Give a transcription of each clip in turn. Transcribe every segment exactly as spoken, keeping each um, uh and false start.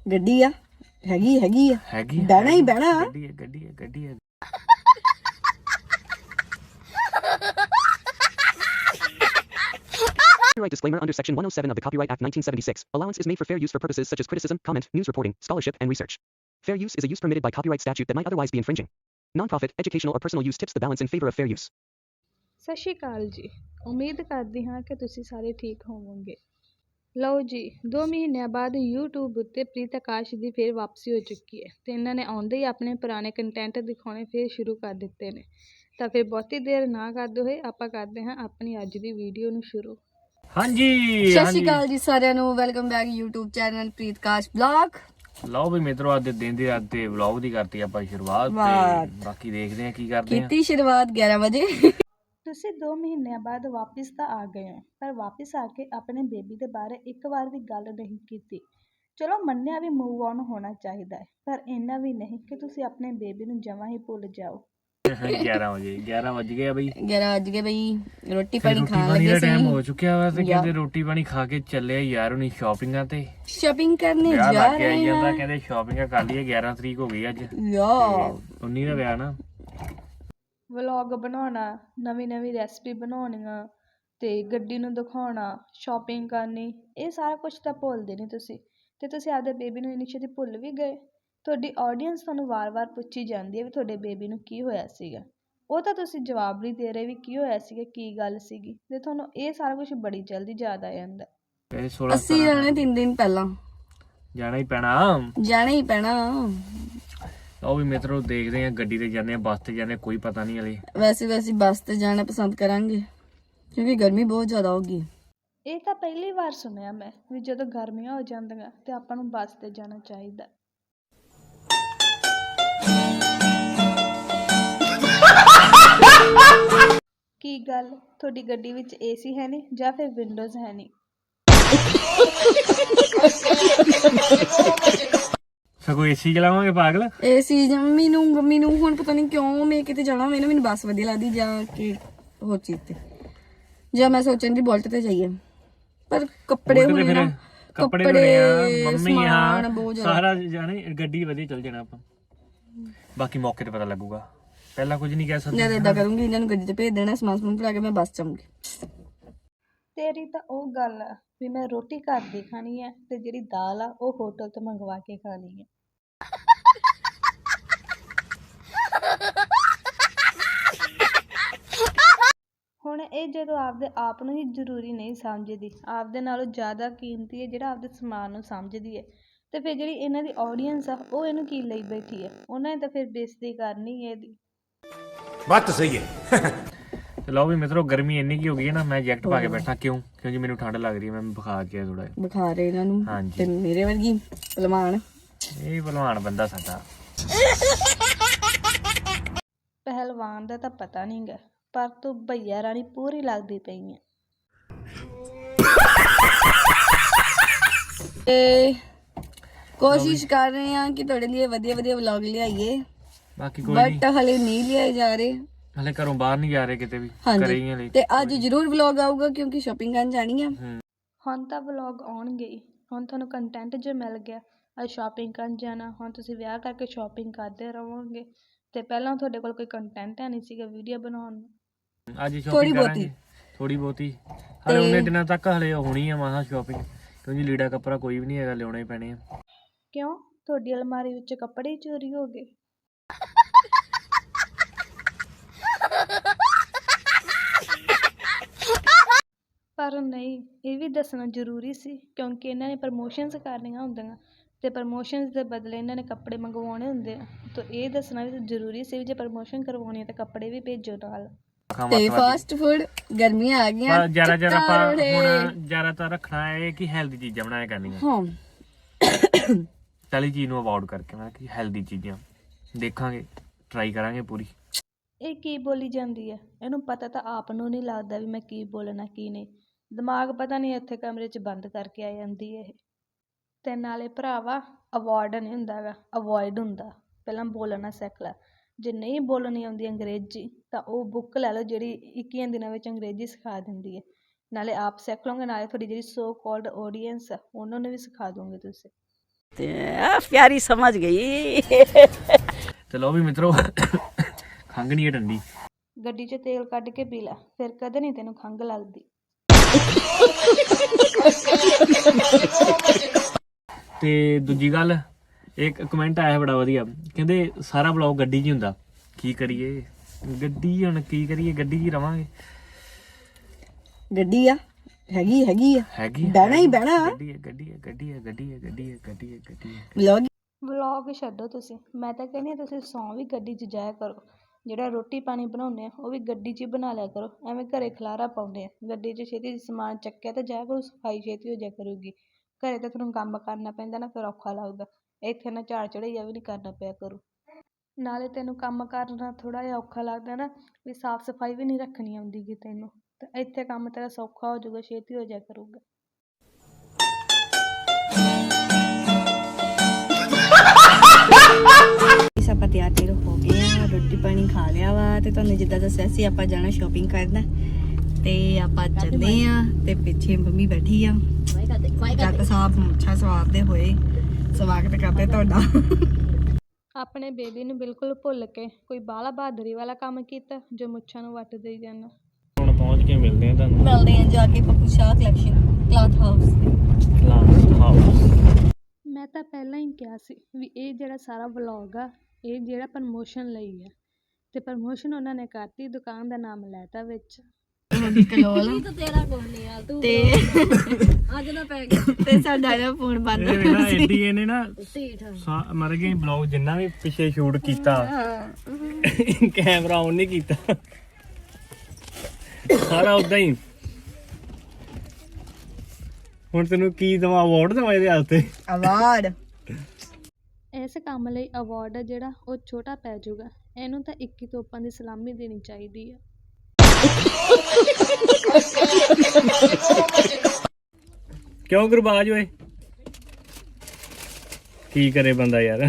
ਗੱਡੀ ਆ ਹੈਗੀ ਹੈਗੀ ਆ ਹੈਗੀ ਬਹਿਣਾ ਹੀ ਬਹਿਣਾ ਗੱਡੀ ਹੈ ਗੱਡੀ ਹੈ ਗੱਡੀ ਹੈ Copyright disclaimer under Section one oh seven of the Copyright Act nineteen seventy-six. Allowance is made for fair use for purposes such as criticism, comment, news reporting, scholarship, and research. Fair use is a use permitted by copyright statute that might otherwise be infringing. Non-profit, educational, or personal use tips the balance in favor of fair use. ਸਤਿ ਸ਼੍ਰੀ ਅਕਾਲ ਜੀ। ਉਮੀਦ ਕਰਦੀ ਹਾਂ ਕਿ ਤੁਸੀਂ ਸਾਰੇ ਠੀਕ ਹੋਵੋਗੇ। ਲਓ ਜੀ, ਦੋ ਮਹੀਨਿਆਂ ਬਾਅਦ YouTube ਉੱਤੇ ਪ੍ਰੀਤ ਆਕਾਸ਼ ਦੀ ਫਿਰ ਵਾਪਸੀ ਹੋ ਚੁੱਕੀ ਹੈ ਤੇ ਇਹਨਾਂ ਨੇ ਆਉਂਦੇ ਹੀ ਆਪਣੇ ਪੁਰਾਣੇ ਕੰਟੈਂਟ ਦਿਖਾਉਣੇ ਫਿਰ ਸ਼ੁਰੂ ਕਰ ਦਿੱਤੇ ਨੇ। ਤਾਂ ਫਿਰ ਬਹੁਤੀ ਦੇਰ ਨਾ ਕਰਦੇ ਹੋਏ ਆਪਾਂ ਕਰਦੇ ਹਾਂ ਆਪਣੀ ਅੱਜ ਦੀ ਵੀਡੀਓ ਨੂੰ ਸ਼ੁਰੂ। ਹਾਂਜੀ ਸਤਿ ਸ਼੍ਰੀ ਅਕਾਲ ਜੀ ਸਾਰਿਆਂ ਨੂੰ, welcome back YouTube channel Preet Akash vlog. ਲਓ ਵੀ ਮਿੱਤਰੋ, ਅੱਜ ਦੇ ਦਿਨ ਦੀ ਰਾਤ ਦੇ ਵਲੌਗ ਦੀ ਕਰਤੀ ਆਪਾਂ ਸ਼ੁਰੂਆਤ ਤੇ ਬਾਕੀ ਦੇਖਦੇ ਆ ਕੀ ਕਰਦੇ ਆ। ਕੀਤੀ ਸ਼ੁਰੂਆਤ ਗਿਆਰਾਂ ਵਜੇ। ਤੁਸੀਂ ਦੋ ਮਹੀਨਿਆਂ ਬਾਅਦ ਵਾਪਿਸ ਤਾਂ ਆ ਗਏ ਹੋ, ਪਰ ਵਾਪਿਸ ਆ ਕੇ ਆਪਣੇ ਬੇਬੀ ਦੇ ਬਾਰੇ ਇੱਕ ਵਾਰ ਵੀ ਗੱਲ ਨਹੀਂ ਕੀਤੀ। ਚਲੋ ਮੰਨਿਆ ਵੀ ਮੂਵ ਔਨ ਹੋਣਾ ਚਾਹੀਦਾ ਹੈ, ਪਰ ਇੰਨਾ ਵੀ ਨਹੀਂ ਕਿ ਤੁਸੀਂ ਆਪਣੇ ਬੇਬੀ ਨੂੰ ਜਮਾਂ ਹੀ ਭੁੱਲ ਜਾਓ। ਗਿਆਰਾਂ ਵਜੇ ਗਿਆਰਾਂ ਵੱਜ ਗਏ ਆ ਬਈ। ਗਿਆਰਾਂ ਵੱਜ ਗਏ ਬਈ, ਰੋਟੀ ਪਾਣੀ ਰੋਟੀ ਖਾਣ ਪਾਣੀ ਦਾ ਲੱਗੇ ਟਾਈਮ ਸੀ। ਹੋ ਚੁੱਕਿਆ ਵਾ ਤੇ ਕਹਿੰਦੇ ਰੋਟੀ ਪਾਣੀ ਖਾ ਕੇ ਚੱਲੇ ਆ ਯਾਰ ਹੁਣੀ ਸ਼ਾਪਿੰਗਾਂ ਤੇ। ਸ਼ਾਪਿੰਗ ਕਰਨੇ ਵਿਆਹ ਜਾ ਲੱਗ ਗਿਆ ਰਹੇ ਜਾਂਦਾ, ਹਾਂ ਕਹਿੰਦੇ ਸ਼ਾਪਿੰਗ ਕਰ ਲਈਏ। ਗਿਆਰਾਂ ਤਰੀਕ ਹੋ ਗਈ ਅੱਜ, ਯਾ ਉੱਨੀ ਦਾ ਵਿਆਹ ਨਾ। ਵਲੌਗ ਬਣਾਉਣਾ, ਨਵੀਂ ਨਵੀਂ ਰੈਸਪੀ ਬਣਾਉਣੀਆਂ ਤੇ ਗੱਡੀ ਨੂੰ ਦਿਖਾਉਣਾ, ਸ਼ਾਪਿੰਗ ਕਰਨੀ, ਇਹ ਸਾਰਾ ਕੁਝ ਤਾਂ ਭੁੱਲਦੇ ਨਹੀਂ ਤੁਸੀਂ। ਤੇ ਤੁਸੀਂ ਆਪਦੇ ਬੇਬੀ ਨੂੰ ਇੰਨੀ ਛੇਤੀ ਭੁੱਲ ਵੀ ਗਏ। ਤੁਹਾਡੀ ਆਡੀਅנס ਤੁਹਾਨੂੰ ਵਾਰ-ਵਾਰ ਪੁੱਛੀ ਜਾਂਦੀ ਹੈ ਵੀ ਤੁਹਾਡੇ ਬੇਬੀ ਨੂੰ ਕੀ ਹੋਇਆ ਸੀਗਾ। ਉਹ ਤਾਂ ਤੁਸੀਂ ਜਵਾਬ ਨਹੀਂ ਦੇ ਰਹੇ ਵੀ ਕੀ ਹੋਇਆ ਸੀਗਾ, ਕੀ ਗੱਲ ਸੀਗੀ, ਤੇ ਤੁਹਾਨੂੰ ਇਹ ਸਾਰਾ ਕੁਝ ਬੜੀ ਜਲਦੀ ਯਾਦ ਆ ਜਾਂਦਾ। ਅਸੀਂ ਜਾਣਾ ਤਿੰਨ ਦਿਨ ਪਹਿਲਾਂ, ਜਾਣਾ ਹੀ ਪੈਣਾ ਜਾਣਾ ਹੀ ਪੈਣਾ। ਉਹ ਵੀ ਮਿੱਤਰੋ ਦੇਖਦੇ ਆ, ਗੱਡੀ ਤੇ ਜਾਂਦੇ ਆ, ਬੱਸ ਤੇ ਜਾਂਦੇ ਆ, ਕੋਈ ਪਤਾ ਨਹੀਂ ਹਲੇ। ਵੈਸੇ ਵੈਸੇ ਬੱਸ ਤੇ ਜਾਣਾ ਪਸੰਦ ਕਰਾਂਗੇ ਕਿਉਂਕਿ ਗਰਮੀ ਬਹੁਤ ਜ਼ਿਆਦਾ ਹੋਗੀ। ਇਹ ਤਾਂ ਪਹਿਲੀ ਵਾਰ ਸੁਣਿਆ ਮੈਂ ਵੀ ਜਦੋਂ ਗਰਮੀਆਂ ਹੋ ਜਾਂਦੀਆਂ ਤੇ ਆਪਾਂ ਨੂੰ ਬੱਸ ਤੇ ਜਾਣਾ ਚਾਹੀਦਾ। ਕੀ ਗੱਲ, ਤੁਹਾਡੀ ਗੱਡੀ ਵਿੱਚ ਏਸੀ ਹੈ ਨਹੀਂ ਜਾਂ ਫਿਰ ਵਿੰਡੋਜ਼ ਹੈ ਨਹੀਂ? ਸਗੋਂ ਏਸੀ ਚਲਾਵਾਂਗੇ ਪਾਗਲ। ਏਸੀ ਜੰਮੀ ਨੂੰ ਮੰਮੀ ਨੂੰ ਹੁਣ ਪਤਾ ਨਹੀਂ ਕਿਉਂ ਮੈਂ ਕਿਤੇ ਜਾਣਾ ਹੋਵੇ ਨਾ, ਮੈਨੂੰ ਬੱਸ ਵਧੀਆ ਲੱਗਦੀ ਜਾਂ ਕਿ ਹੋਰ ਚੀਜ਼ ਤੇ, ਜਾਂ ਮੈਂ ਸੋਚਣ ਦੀ ਬੁਲਟ ਤੇ ਜਾਈਏ। ਪਰ ਕੱਪੜੇ ਹੁਣ ਨਾ ਕੱਪੜੇ ਮੰਮੀ ਆ ਸਾਰਾ ਜਾਣੇ, ਗੱਡੀ ਵਧੀਆ ਚੱਲ ਜਾਣਾ ਆਪਾਂ, ਬਾਕੀ ਮੌਕੇ ਤੇ ਪਤਾ ਲੱਗੂਗਾ। ਪਹਿਲਾਂ ਕੁਝ ਨਹੀਂ ਕਹਿ ਸਕਦੇ। ਮੈਂ ਏਦਾਂ ਕਰੂੰਗੀ, ਇਹਨਾਂ ਨੂੰ ਗੱਡੀ ਤੇ ਭੇਜ ਦੇਣਾ, ਸਮਾਨ ਸਮੂਨ ਭਰਾ ਕੇ ਮੈਂ ਬੱਸ ਚਾਹੂੰਗੀ। ਤੇਰੀ ਤਾਂ ਉਹ ਗੱਲ ਆ ਵੀ ਮੈਂ ਰੋਟੀ ਘਰ ਦੀ ਖਾਣੀ ਹੈ ਤੇ ਜਿਹੜੀ ਦਾਲ ਆ ਉਹ ਹੋਟਲ ਤੋਂ ਮੰਗਵਾ ਕੇ ਖਾਣੀ ਹੈ। ਹੁਣ ਇਹ ਜਦੋਂ ਆਪਦੇ ਆਪ ਨੂੰ ਹੀ ਜ਼ਰੂਰੀ ਨਹੀਂ ਸਮਝਦੀ, ਆਪਦੇ ਨਾਲੋਂ ਜ਼ਿਆਦਾ ਕੀਮਤੀ ਹੈ ਜਿਹੜਾ ਆਪਦੇ ਸਮਾਨ ਨੂੰ ਸਮਝਦੀ ਹੈ, ਤੇ ਫਿਰ ਜਿਹੜੀ ਇਹਨਾਂ ਦੀ ਆਡੀਅנס ਆ ਉਹ ਇਹਨੂੰ ਕੀ ਲਈ ਬੈਠੀ ਹੈ? ਉਹਨਾਂ ਨੇ ਤਾਂ ਫਿਰ ਬੇਇੱਜ਼ਤੀ ਕਰਨੀ ਹੈ ਇਹਦੀ। ਬਾਤ ਸਹੀ ਹੈ। ਲਓ ਵੀ ਮਿੱਤਰੋ, ਗਰਮੀ ਇੰਨੀ ਕੀ ਹੋ ਗਈ ਹੈ ਨਾ, ਮੈਂ ਜੈਕਟ ਪਾ ਕੇ ਬੈਠਾ। ਕਿਉਂ? ਕਿਉਂਕਿ ਮੈਨੂੰ ਠੰਡ ਲੱਗ ਰਹੀ ਹੈ। ਮੈਂ ਬੁਖਾਰ ਜਿਹਾ ਥੋੜਾ ਜਿਹਾ ਬੁਖਾਰ ਇਹਨਾਂ ਨੂੰ ਹਾਂਜੀ। ਤੇ ਮੇਰੇ ਵਰਗੀ ਪਹਿਲਵਾਨ, ਇਹ ਪਹਿਲਵਾਨ ਬੰਦਾ ਸਾਡਾ। ਪਹਿਲਵਾਨ ਦਾ ਤਾਂ ਪਤਾ ਨਹੀਂ ਗਾ, ਪਰ ਤੂੰ ਭਈਆ ਰਾਣੀ ਪੂਰੀ ਲੱਗਦੀ ਪਈ ਹੈ। ਤੇ ਕੋਸ਼ਿਸ਼ ਕਰ ਰਹੇ ਹਾਂ ਕਿ ਤੁਹਾਡੇ ਲਈ ਵਧੀਆ ਵਧੀਆ ਵਲੌਗ ਲਿਆਈਏ, ਬਾਕੀ ਕੋਈ ਨਹੀਂ, ਬਟ ਹਲੇ ਨਹੀਂ ਲਿਆਏ ਜਾ ਰਹੇ। ਹਲੇ ਘਰੋਂ ਬਾਹਰ ਨਹੀਂ ਜਾ ਰਹੇ ਕਿਤੇ ਵੀ, ਘਰੇ ਹੀ ਹਲੇ। ਤੇ ਅੱਜ ਜ਼ਰੂਰ ਵਲੌਗ ਆਊਗਾ ਕਿਉਂਕਿ ਸ਼ਾਪਿੰਗ ਕਰਨ ਜਾਣੀ ਆ। ਹੁਣ ਤਾਂ ਵਲੌਗ ਆਉਣਗੇ ਹੀ। ਹੁਣ ਤੁਹਾਨੂੰ ਕੰਟੈਂਟ ਜੋ ਮਿਲ ਗਿਆ, ਅੱਜ ਸ਼ਾਪਿੰਗ ਕਰਨ ਜਾਣਾ, ਹੁਣ ਤੁਸੀਂ ਵਿਆਹ ਕਰਕੇ ਸ਼ਾਪਿੰਗ ਕਰਦੇ ਰਹੋਗੇ ਤੇ ਪਹਿਲਾਂ ਤੁਹਾਡੇ ਕੋਲ ਕੋਈ ਕੰਟੈਂਟ ਹੈ ਨਹੀਂ ਸੀਗਾ ਵੀਡੀਓ ਬਣਾਉਣ ਨੂੰ। ਅੱਜ ਸ਼ਾਪਿੰਗ ਕਰਾਂਗੇ ਥੋੜੀ ਬਹੁਤੀ, ਹਲੇ ਉਹਨੇ ਦਿਨਾਂ ਤੱਕ ਹਲੇ ਹੋਣੀ ਆ ਮਹਾ ਸ਼ਾਪਿੰਗ, ਕਿਉਂਕਿ ਲੀੜਾ ਕੱਪੜਾ ਕੋਈ ਵੀ ਨਹੀਂ ਹੈਗਾ, ਲਿਆਉਣੇ ਪੈਣੇ ਆ। ਕਿਉਂ, ਤੁਹਾਡੀ ਅਲਮਾਰੀ ਵਿੱਚ ਕੱਪੜੇ ਹੀ ਚੋਰੀ ਹੋ ਗਏ? ਪਰ ਨਹੀਂ, ਇਹ ਵੀ ਦੱਸਣਾ ਜ਼ਰੂਰੀ ਸੀ ਕਿਉਂਕਿ ਇਹਨਾਂ ਨੇ ਪ੍ਰਮੋਸ਼ਨਸ ਕਰਨੀਆਂ ਹੁੰਦੀਆਂ ਤੇ ਪ੍ਰਮੋਸ਼ਨਸ ਦੇ ਬਦਲੇ ਇਹਨਾਂ ਨੇ ਕੱਪੜੇ ਮੰਗਵਾਉਣੇ ਹੁੰਦੇ ਆ, ਤਾਂ ਇਹ ਦੱਸਣਾ ਵੀ ਜ਼ਰੂਰੀ ਸੀ ਵੀ ਜੇ ਪ੍ਰਮੋਸ਼ਨ ਕਰਵਾਉਣੀ ਹੈ ਤਾਂ ਕੱਪੜੇ ਵੀ ਭੇਜੋ ਨਾਲ। ਤੇ ਫਾਸਟ ਫੂਡ ਗਰਮੀਆਂ ਆ ਗਈਆਂ, ਜਰਾ ਜਰਾ ਆਪਾਂ ਹੁਣ ਜ਼ਿਆਦਾਤਰ ਰੱਖਣਾ ਹੈ ਕਿ ਹੈਲਦੀ ਚੀਜ਼ਾਂ ਬਣਾਇਆ ਕਰਨੀਆਂ। ਹਾਂ, ਤਲੀ ਚੀਜ਼ ਨੂੰ ਅਵੋਇਡ ਕਰਕੇ ਮੈਂ ਕਿ ਹੈਲਦੀ ਚੀਜ਼ਾਂ ਦੇਖਾਂਗੇ, ਟਰਾਈ ਕਰਾਂਗੇ ਪੂਰੀ। ਇਹ ਕੀ ਬੋਲੀ ਜਾਂਦੀ ਹੈ? ਇਹਨੂੰ ਪਤਾ ਤਾਂ ਆਪ ਨੂੰ ਨਹੀਂ ਲੱਗਦਾ ਵੀ ਮੈਂ ਕੀ ਬੋਲਣਾ ਕੀ ਨਹੀਂ। ਦਿਮਾਗ ਪਤਾ ਨਹੀਂ ਇੱਥੇ ਕਮਰੇ 'ਚ ਬੰਦ ਕਰਕੇ ਆ ਜਾਂਦੀ ਹੈ ਇਹ। ਤੇ ਨਾਲੇ ਭਰਾਵਾ, ਅਵੋਇਡ ਨਹੀਂ ਹੁੰਦਾ ਗਾ, ਅਵੋਇਡ ਹੁੰਦਾ। ਪਹਿਲਾਂ ਬੋਲਣਾ ਸਿੱਖ ਲੈ। ਜੇ ਨਹੀਂ ਬੋਲਣੀ ਆਉਂਦੀ ਅੰਗਰੇਜ਼ੀ ਤਾਂ ਉਹ ਬੁੱਕ ਲੈ ਲਓ ਜਿਹੜੀ ਇੱਕੀਆਂ ਦਿਨਾਂ ਵਿੱਚ ਅੰਗਰੇਜ਼ੀ ਸਿਖਾ ਦਿੰਦੀ ਹੈ। ਨਾਲੇ ਆਪ ਸਿੱਖ ਲਓਗੇ, ਨਾਲੇ ਤੁਹਾਡੀ ਜਿਹੜੀ ਸੋ ਕਾਲਡ ਆਡੀਅנס ਆ ਉਹਨਾਂ ਨੂੰ ਵੀ ਸਿਖਾ ਦੋਗੇ ਤੁਸੀਂ। ਤੇ ਆ ਪਿਆਰੀ ਸਮਝ ਗਈ। ਤੇ ਲੋ ਵੀ ਮਿੱਤਰੋ ਖੰਘ ਨਹੀਂ ਟੰਡੀ। ਗੱਡੀ 'ਚ ਤੇਲ ਕੱਢ ਕੇ ਪੀ ਲੈ, ਫਿਰ ਕਦੇ ਨਹੀਂ ਤੈਨੂੰ ਖੰਘ ਲੱਗਦੀ। ਤੇ ਦੂਜੀ ਗੱਲ, ਇੱਕ ਕਮੈਂਟ ਆਇਆ ਬੜਾ ਵਧੀਆ, ਕਹਿੰਦੇ ਸਾਰਾ ਵਲੌਗ ਗੱਡੀ 'ਚ ਹੀ ਹੁੰਦਾ। ਕੀ ਕਰੀਏ, ਗੱਡੀ ਹੁਣ ਕੀ ਕਰੀਏ, ਗੱਡੀ 'ਚ ਹੀ ਰਵਾਂਗੇ। ਗੱਡੀ ਆ, ਹੈਗੀ ਹੈਗੀ ਆ, ਹੈਗੀ ਬਹਿਣਾ ਹੀ ਬਹਿਣਾ। ਗੱਡੀ ਹੈ ਗੱਡੀ ਹੈ ਗੱਡੀ ਹੈ ਗੱਡੀ ਹੈ ਗੱਡੀ ਹੈ ਗੱਡੀ ਹੈ ਗੱਡੀ ਹੈ। ਵਲੌਗ ਵਲੌਗ ਛੱਡੋ ਤੁਸੀਂ, ਮੈਂ ਤਾਂ ਕਹਿੰਦੀ ਹਾਂ ਤੁਸੀਂ ਸੌਂ ਵੀ ਗੱਡੀ 'ਚ ਜਾਇਆ ਕਰੋ। ਜਿਹੜਾ ਰੋਟੀ ਪਾਣੀ ਬਣਾਉਂਦੇ ਆ ਉਹ ਵੀ ਗੱਡੀ 'ਚ ਹੀ ਬਣਾ ਲਿਆ ਕਰੋ। ਐਵੇਂ ਘਰੇ ਖਲਾਰਾ ਪਾਉਂਦੇ ਆ, ਗੱਡੀ 'ਚ ਛੇਤੀ ਸਮਾਨ ਚੱਕਿਆ ਤਾਂ ਜਾਇਆ ਕਰੋ, ਸਫਾਈ ਛੇਤੀ ਹੋ ਜਾਇਆ ਕਰੂਗੀ। ਘਰੇ ਤਾਂ ਤੁਹਾਨੂੰ ਕੰਮ ਕਰਨਾ ਪੈਂਦਾ ਨਾ, ਫਿਰ ਔਖਾ ਲੱਗਦਾ। ਇੱਥੇ ਨਾ ਝਾੜ ਚੜ੍ਹਾਈਆ ਵੀ ਨਹੀਂ ਕਰਨਾ ਪਿਆ ਕਰੂ। ਨਾਲੇ ਤੈਨੂੰ ਕੰਮ ਕਰਨਾ ਥੋੜ੍ਹਾ ਜਿਹਾ ਔਖਾ ਲੱਗਦਾ ਨਾ, ਵੀ ਸਾਫ਼ ਸਫਾਈ ਵੀ ਨਹੀਂ ਰੱਖਣੀ ਆਉਂਦੀ ਗੀ ਤੈਨੂੰ, ਤਾਂ ਇੱਥੇ ਕੰਮ ਤੇਰਾ ਸੌਖਾ ਹੋ ਜਾਊਗਾ, ਛੇਤੀ ਹੋ ਜਾਇਆ ਕਰੂਗਾ। ਆਪਾਂ ਤਿਆਰ ਤਿਆਰ ਹੋ ਗਏ ਆ, ਰੋਟੀ ਪਾਣੀ ਖਾ ਲਿਆ ਵਾ ਤੇ ਤੁਹਾਨੂੰ ਜਿੱਦਾਂ ਦੱਸਿਆ ਸੀ ਆਪਾਂ ਜਾਣਾ ਸ਼ਾਪਿੰਗ ਕਰਨਾ ਤੇ ਆਪਾਂ ਚੱਲਦੇ ਆ। ਤੇ ਪਿੱਛੇ ਮੰਮੀ ਬੈਠੀ ਆ, ਜੱਟ ਸਾਹਿਬ ਮੁੱਛਾਂ ਸਵਾਰਦੇ ਹੋਏ ਸਵਾਗਤ ਕਰਦੇ ਤੁਹਾਡਾ। ਆਪਣੇ ਬੇਬੀ ਨੂੰ ਬਿਲਕੁਲ ਭੁੱਲ ਕੇ ਕੋਈ ਬਾਹਲਾ ਬਹਾਦਰੀ ਵਾਲਾ ਕੰਮ ਕੀਤਾ ਜੋ ਮੁੱਛਾਂ ਨੂੰ ਵੱਟ ਦੇਈ ਜਾਂਦਾ। ਹੁਣ ਪਹੁੰਚ ਕੇ ਮਿਲਦੇ ਆ ਤੁਹਾਨੂੰ, ਮਿਲਦੇ ਆ ਜਾ ਕੇ Pappu Shah collection cloth house. Cloth house. ਮੈਂ ਤਾਂ ਪਹਿਲਾਂ ਹੀ ਕਿਹਾ ਸੀ ਵੀ ਇਹ ਜਿਹੜਾ ਸਾਰਾ ਵਲੌਗ ਆ ਇਹ ਜਿਹੜਾ ਪ੍ਰਮੋਸ਼ਨ ਲਈ ਆ, ਤੇ ਪ੍ਰਮੋਸ਼ਨ ਉਹਨਾਂ ਨੇ ਕਰਤੀ, ਦੁਕਾਨ ਦਾ ਨਾਮ ਲੈਤਾ ਵਿੱਚ। ਕਲੋਲ ਤੇ ਅੱਜ ਨਾ ਪੈ ਗਿਆ ਤੇ ਸਾਡਾ ਨਾ ਫੋਨ ਬੰਦ ਇਹ ਵੇਖਾ ਐਡੀ ਇਹਨੇ ਨਾ ਮਰ ਗਏ ਬਲੌਗ ਜਿੰਨਾ ਵੀ ਪਿੱਛੇ ਸ਼ੂਟ ਕੀਤਾ ਕੈਮਰਾ ਆਨ ਨਹੀਂ ਕੀਤਾ, ਸਾਰਾ ਉਦਾਂ ਹੀ। ਹੁਣ ਤੈਨੂੰ ਕੀ ਦਵਾ, ਅਵਾਰਡ ਦਵਾ ਇਹਦੇ ਹੱਥ ਤੇ? ਅਵਾਰਡ ਇਸ ਕੰਮ ਲਈ ਅਵਾਰਡ ਜਿਹੜਾ ਉਹ ਛੋਟਾ ਪੈ ਜਾਊਗਾ। ਇਹਨੂੰ ਤਾਂ ਇੱਕੀ ਤੋਪਾਂ ਦੀ ਸਲਾਮੀ ਦੇਣੀ ਚਾਹੀਦੀ ਆ। ਕਿਉਂ ਗੁਰਬਾਜ ਓਏ, ਕੀ ਕਰੇ ਬੰਦਾ ਯਾਰ।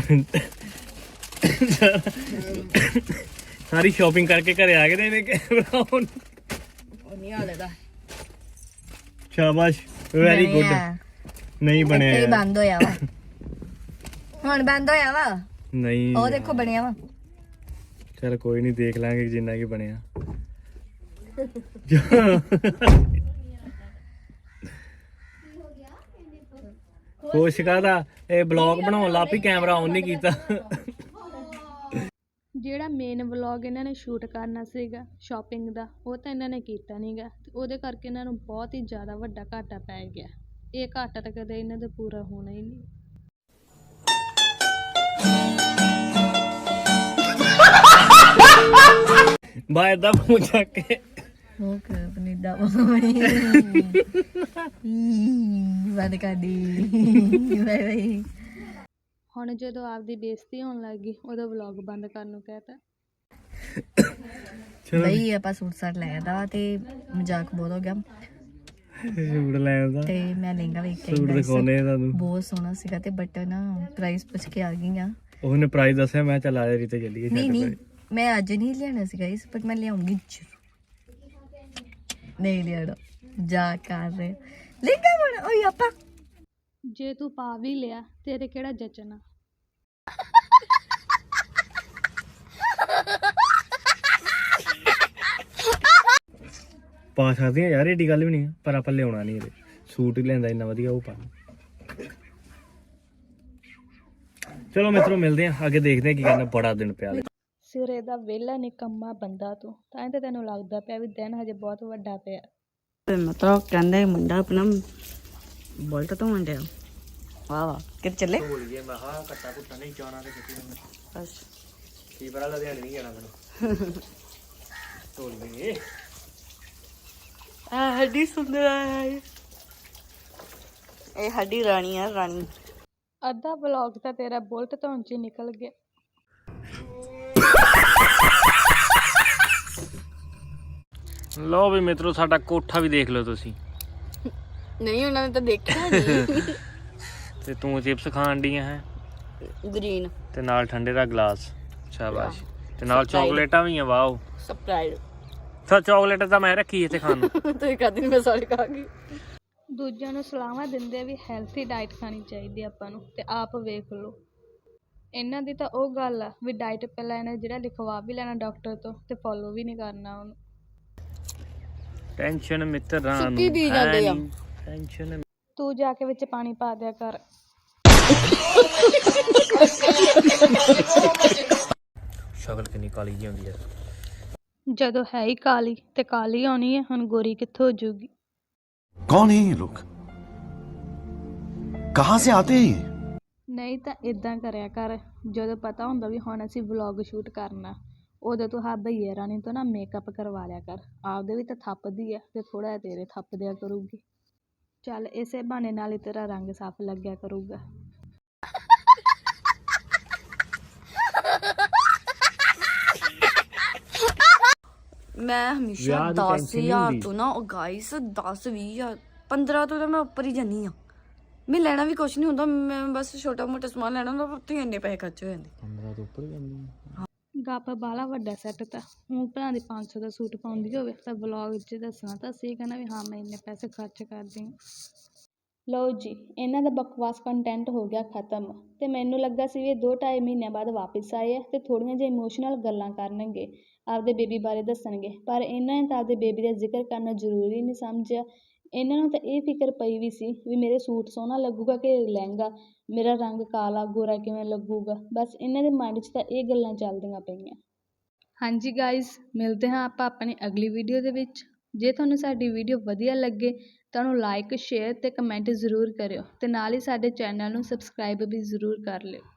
ਸਾਰੀ ਸ਼ਾਪਿੰਗ ਕਰਕੇ ਘਰੇ ਆ ਗਏ ਤੇ ਇਹਨੇ ਕੈਮਰਾ ਆਨ। ਨਹੀਂ ਹਾਲੇ ਦਾ ਸ਼ਾਬਾਸ਼, ਵੈਰੀ ਗੁੱਡ। ਨਹੀਂ ਬਣਿਆ ਇਹ ਯਾਰ। ਬੰਦ ਹੋਇਆ ਵਾ, ਹੁਣ ਬੰਦ ਹੋਇਆ ਵਾ। ਨਹੀਂ ਉਹ ਦੇਖੋ ਬਣਿਆ ਵਾ। ਚਲ ਕੋਈ ਨਹੀਂ, ਦੇਖ ਲਾਂਗੇ ਜਿੰਨਾ ਕੀ ਬਣਿਆ। ਕੋਸ਼ਿਸ਼ ਕਰਦਾ, ਇਹ ਬਲੌਗ ਬਣਾਉਣ ਲੱਗ ਪਈ, ਕੈਮਰਾ ਆਨ ਨਹੀਂ ਕੀਤਾ। ਜਿਹੜਾ ਮੇਨ ਵਲੌਗ ਇਹਨਾਂ ਨੇ ਸ਼ੂਟ ਕਰਨਾ ਸੀਗਾ ਸ਼ਾਪਿੰਗ ਦਾ, ਉਹ ਤਾਂ ਇਹਨਾਂ ਨੇ ਕੀਤਾ ਨਹੀਂ ਗਾ, ਤੇ ਉਹਦੇ ਕਰਕੇ ਇਹਨਾਂ ਨੂੰ ਬਹੁਤ ਹੀ ਜ਼ਿਆਦਾ ਵੱਡਾ ਘਾਟਾ ਪੈ ਗਿਆ। ਇਹ ਘਾਟਾ ਤਾਂ ਕਦੇ ਇਹਨਾਂ ਦਾ ਪੂਰਾ ਹੋਣਾ ਹੀ ਨਹੀਂ। ਬਾਏ ਦਾ ਮੂੰਹ ਚੱਕ ਕੇ ਉਹ ਕਰ ਪਨੀਦਾ ਬੰਦ ਕਰ ਦੀ। Bye bye. ਹੁਣ ਜਦੋਂ ਆਪਦੀ ਬੇਇੱਜ਼ਤੀ ਹੋਣ ਲੱਗ ਗਈ ਉਦੋਂ ਵਲੌਗ ਬੰਦ ਕਰਨ ਨੂੰ ਕਹਿਤਾ। ਬਈ ਆਪਾਂ ਸੂਟ ਸਾਟ ਲੈ ਆਂਦਾ ਤੇ ਮਜ਼ਾਕ ਬਹੁਤ ਹੋ ਗਿਆ ਸੂਟ ਲੈਣ ਦਾ, ਤੇ ਮੈਂ ਲਹਿੰਗਾ ਵੇਖ ਕੇ ਸੂਟ ਦਿਖਾਉਣੇ ਤੁਹਾਨੂੰ, ਬਹੁਤ ਸੋਹਣਾ ਸੀਗਾ ਤੇ ਬਟ ਨਾ ਪ੍ਰਾਈਸ ਪੁੱਛ ਕੇ ਆ ਗਈ ਆ। ਉਹਨੇ ਪ੍ਰਾਈਸ ਦੱਸਿਆ, ਮੈਂ ਚੱਲ ਆ ਰਹੀ ਤੇ ਚੱਲੀਏ। ਨਹੀਂ ਨਹੀਂ ਮੈਂ ਅੱਜ ਨਹੀਂ ਲਿਆਣਾ ਸੀਗਾ ਇਸ, ਬਟ ਮੈਂ ਲਿਆਉਂਗੀ ਜ਼ਰੂਰ। ਨਹੀਂ ਲਿਆਣਾ ਜਾ ਕਰ ਰਹੇ ਲਹਿੰਗਾ ਬਣਾ ਓਏ ਆਪਾਂ। ਜੇ ਤੂੰ ਪਾ ਵੀ ਲਿਆ ਤੇਰੇ ਕਿਹੜਾ ਜਚਣਾ। ਪਾ ਸਕਦੇ ਆ ਯਾਰ, ਏਡੀ ਗੱਲ ਵੀ ਨਹੀਂ, ਪਰ ਆਪਾਂ ਲਿਆਉਣਾ ਨਹੀਂ ਇਹਦੇ। ਸੂਟ ਹੀ ਲੈਂਦਾ ਇੰਨਾ ਵਧੀਆ, ਉਹ ਪਾ। ਚਲੋ ਮਿੱਤਰੋ ਮਿਲਦੇ ਆ ਅੱਗੇ, ਦੇਖਦੇ ਆ ਕੀ ਕਰਨਾ। ਬੜਾ ਦਿਨ ਪਿਆ ਸਿਰੇ ਦਾ ਵਿਹਲਾ ਨਿਕੰਮਾ ਬੰਦਾ ਤੂੰ, ਤਾਂ ਹੀ ਤਾਂ ਤੈਨੂੰ ਲੱਗਦਾ ਪਿਆ ਵੀ ਦਿਨ ਹਜੇ ਬਹੁਤ ਵੱਡਾ ਪਿਆ। ਮਤਲਬ ਕਹਿੰਦਾ ਮੁੰਡਾ ਆਪਣਾ ਬੋਲਟ ਤੋਂ ਮੁੰਡਿਆ ਵਾਹ ਵਾਹ ਕਿੱਥੇ ਚੱਲੇ ਭੋਲੀਏ। ਮੈਂ ਹਾਂ ਕੱਟਾ ਕੁੱਟਾ ਨਹੀਂ ਜਾਣਾ ਤੇ ਕਿਤੇ ਬਸ ਕੀ ਪਤਾ ਲੁਧਿਆਣੇ ਨਹੀਂ ਜਾਣਾ ਮੈਨੂੰ। ਭੋਲੀਏ ਆ ਹੱਡੀ ਸੁੰਦਰ ਹੈ, ਇਹ ਹੱਡੀ ਰਾਣੀ ਆ ਰਾਣੀ। ਅੱਧਾ ਵਲੌਗ ਤਾਂ ਤੇਰਾ ਬੁਲਟ ਧੋਣ 'ਚ ਹੀ ਨਿਕਲ ਗਿਆ। ਲਓ ਵੀ ਮਿੱਤਰੋ, ਸਾਡਾ ਕੋਠਾ ਵੀ ਦੇਖ ਲਓ ਤੁਸੀਂ। ਨਹੀਂ ਉਹਨਾਂ ਨੇ ਤਾਂ ਦੇਖਿਆ ਨਹੀਂ। ਤੇ ਤੂੰ ਚਿਪਸ ਖਾਣ ਡੀਆਂ ਹੈ ਗ੍ਰੀਨ ਤੇ ਨਾਲ ਠੰਡੇ ਦਾ ਗਲਾਸ। ਸ਼ਾਬਾਸ਼। ਤੇ ਨਾਲ ਚਾਕਲੇਟਾਂ ਵੀ ਆ। Wow surprise. ਸਾ ਚਾਕਲੇਟ ਤਾਂ ਮੈਂ ਰੱਖੀ ਇੱਥੇ ਖਾਣ ਨੂੰ। ਤੁਸੀਂ ਕਦੀ ਨਹੀਂ, ਮੈਂ ਸਾਰੀ ਖਾ ਗਈ। ਦੂਜਿਆਂ ਨੂੰ ਸਲਾਹਾਂ ਦਿੰਦੇ ਵੀ ਹੈਲਥੀ ਡਾਈਟ ਖਾਣੀ ਚਾਹੀਦੀ ਆਪਾਂ ਨੂੰ, ਤੇ ਆਪ ਵੇਖ ਲਓ। ਇਹਨਾਂ ਦੀ ਤਾਂ ਉਹ ਗੱਲ ਆ ਵੀ ਡਾਈਟ ਪਹਿਲਾਂ ਇਹਨੇ ਜਿਹੜਾ ਲਿਖਵਾ ਵੀ ਲੈਣਾ ਡਾਕਟਰ ਤੋਂ ਤੇ ਫੋਲੋ ਵੀ ਨਹੀਂ ਕਰਨਾ ਉਹਨੂੰ। ਟੈਨਸ਼ਨ ਮਿੱਤਰਾਂ ਨੂੰ ਸੁੱਕੀ ਪੀ ਜਾਂਦੇ ਆ। ਟੈਨਸ਼ਨ ਤੂੰ ਜਾ ਕੇ ਵਿੱਚ ਪਾਣੀ ਪਾ ਦਿਆ ਕਰ। ਸ਼ਕਲ ਕਿੰਨੀ ਕਾਲੀ ਜਿਹੀ ਹੁੰਦੀ ਹੈ। ਜਦੋਂ ਹੈ ਹੀ ਕਾਲੀ ਤੇ ਕਾਲੀ ਆਉਣੀ ਹੈ, ਹੁਣ ਗੋਰੀ ਕਿੱਥੋਂ ਹੋ ਜੂਗੀ। कौन है ये लोग? कहाँ से आते हैं ये? ਨਹੀਂ ਤਾਂ ਇਦਾਂ ਕਰਿਆ ਕਰ, ਜਦੋਂ ਪਤਾ ਹੁੰਦਾ ਵੀ ਹੁਣ ਅਸੀਂ ਵਲੌਗ ਸ਼ੂਟ ਕਰਨਾ, ਉਦੋਂ ਤੂੰ ਹਾਂ ਭਈਏ ਰਾਣੀ ਤੋਂ ਨਾ ਮੇਕਅਪ ਕਰਵਾ ਲਿਆ ਕਰ। ਆਪਦੇ ਵੀ ਤਾਂ ਥੱਪਦੀ ਆ ਤੇ ਥੋੜਾ ਜਿਹਾ ਤੇਰੇ ਥੱਪ ਦਿਆ ਕਰੂਗੀ। ਚੱਲ ਇਸੇ ਬਹਾਨੇ ਨਾਲ ਹੀ ਤੇਰਾ ਰੰਗ ਸਾਫ਼ ਲੱਗਿਆ ਕਰੂਗਾ। ਮੈਂ ਹਮੇਸ਼ਾ ਵਿਆਹ ਦੀ ਦਸ tension ਨਹੀਂ ਹਜ਼ਾਰ ਹੁੰਦੀ। ਤੋਂ ਨਾ ਉਹ ਗਾਈਸ ਦਸ ਵੀਹ ਹਜ਼ਾਰ ਪੰਦਰਾਂ ਤੋਂ ਤਾਂ ਮੈਂ ਉੱਪਰ ਹੀ ਜਾਂਦੀ ਆ। ਮੈਂ ਲੈਣਾ ਵੀ ਕੁਛ ਨਹੀਂ ਹੁੰਦਾ, ਮੈਂ ਬਸ ਛੋਟਾ ਮੋਟਾ ਸਮਾਨ ਲੈਣਾ ਹੁੰਦਾ, ਉੱਥੇ ਇੰਨੇ ਪੈਸੇ ਖਰਚ ਹੋ ਜਾਂਦੇ। ਪੰਦਰਾਂ ਤੋਂ ਉੱਪਰ ਜਾਂਦੀ ਗੱਪ ਬਾਹਲਾ ਵੱਡਾ ਸੈੱਟ ਤਾਂ ਉਹ ਭਰਾ ਦੀ ਪੰਜ ਸੌ ਦਾ ਸੂਟ ਪਾਉਂਦੀ ਹੋਵੇ ਤਾਂ ਵਲੌਗ 'ਚ ਦੱਸਣਾ ਤਾਂ ਸਹੀ, ਕਹਿਣਾ ਵੀ ਹਾਂ ਮੈਂ ਇੰਨੇ ਪੈਸੇ ਖਰਚ ਕਰਦੀ ਹਾਂ। ਲਓ ਜੀ, ਇਹਨਾਂ ਦਾ ਬਕਵਾਸ ਕੰਟੈਂਟ ਹੋ ਗਿਆ ਖ਼ਤਮ, ਤੇ ਮੈਨੂੰ ਲੱਗਾ ਸੀ ਵੀ ਇਹ ਦੋ ਢਾਈ ਮਹੀਨਿਆਂ ਬਾਅਦ ਵਾਪਸ ਆਏ ਆ ਤੇ ਥੋੜ੍ਹੀਆਂ ਜਿਹੀਆਂ ਇਮੋਸ਼ਨਲ ਗੱਲਾਂ ਕਰਨਗੇ, ਆਪਦੇ ਬੇਬੀ ਬਾਰੇ ਦੱਸਣਗੇ, ਪਰ ਇਹਨਾਂ ਨੇ ਤਾਂ ਆਪਦੇ ਬੇਬੀ ਦਾ ਜ਼ਿਕਰ ਕਰਨਾ ਜ਼ਰੂਰੀ ਨਹੀਂ ਸਮਝਿਆ। ਇਹਨਾਂ ਨੂੰ ਤਾਂ ਇਹ ਫਿਕਰ ਪਈ ਵੀ ਸੀ ਵੀ ਮੇਰੇ ਸੂਟ ਸੋਹਣਾ ਲੱਗੂਗਾ ਕਿ ਲਹਿੰਗਾ, ਮੇਰਾ ਰੰਗ ਕਾਲਾ ਗੋਰਾ ਕਿਵੇਂ ਲੱਗੂਗਾ, ਬਸ ਇਹਨਾਂ ਦੇ ਮਾਈਂਡ 'ਚ ਤਾਂ ਇਹ ਗੱਲਾਂ ਚੱਲਦੀਆਂ ਪਈਆਂ। ਹਾਂਜੀ ਗਾਇਜ਼, ਮਿਲਦੇ ਹਾਂ ਆਪਾਂ ਆਪਣੀ ਅਗਲੀ ਵੀਡੀਓ ਦੇ ਵਿੱਚ। ਜੇ ਤੁਹਾਨੂੰ ਸਾਡੀ ਵੀਡੀਓ ਵਧੀਆ ਲੱਗੇ ਤਾਂ ਉਹਨੂੰ ਲਾਈਕ, ਸ਼ੇਅਰ ਤੇ ਕਮੈਂਟ ਜ਼ਰੂਰ ਕਰਿਓ, ਤੇ ਨਾਲ ਹੀ ਸਾਡੇ ਚੈਨਲ ਨੂੰ ਸਬਸਕ੍ਰਾਈਬ ਵੀ ਜ਼ਰੂਰ ਕਰ ਲਿਓ।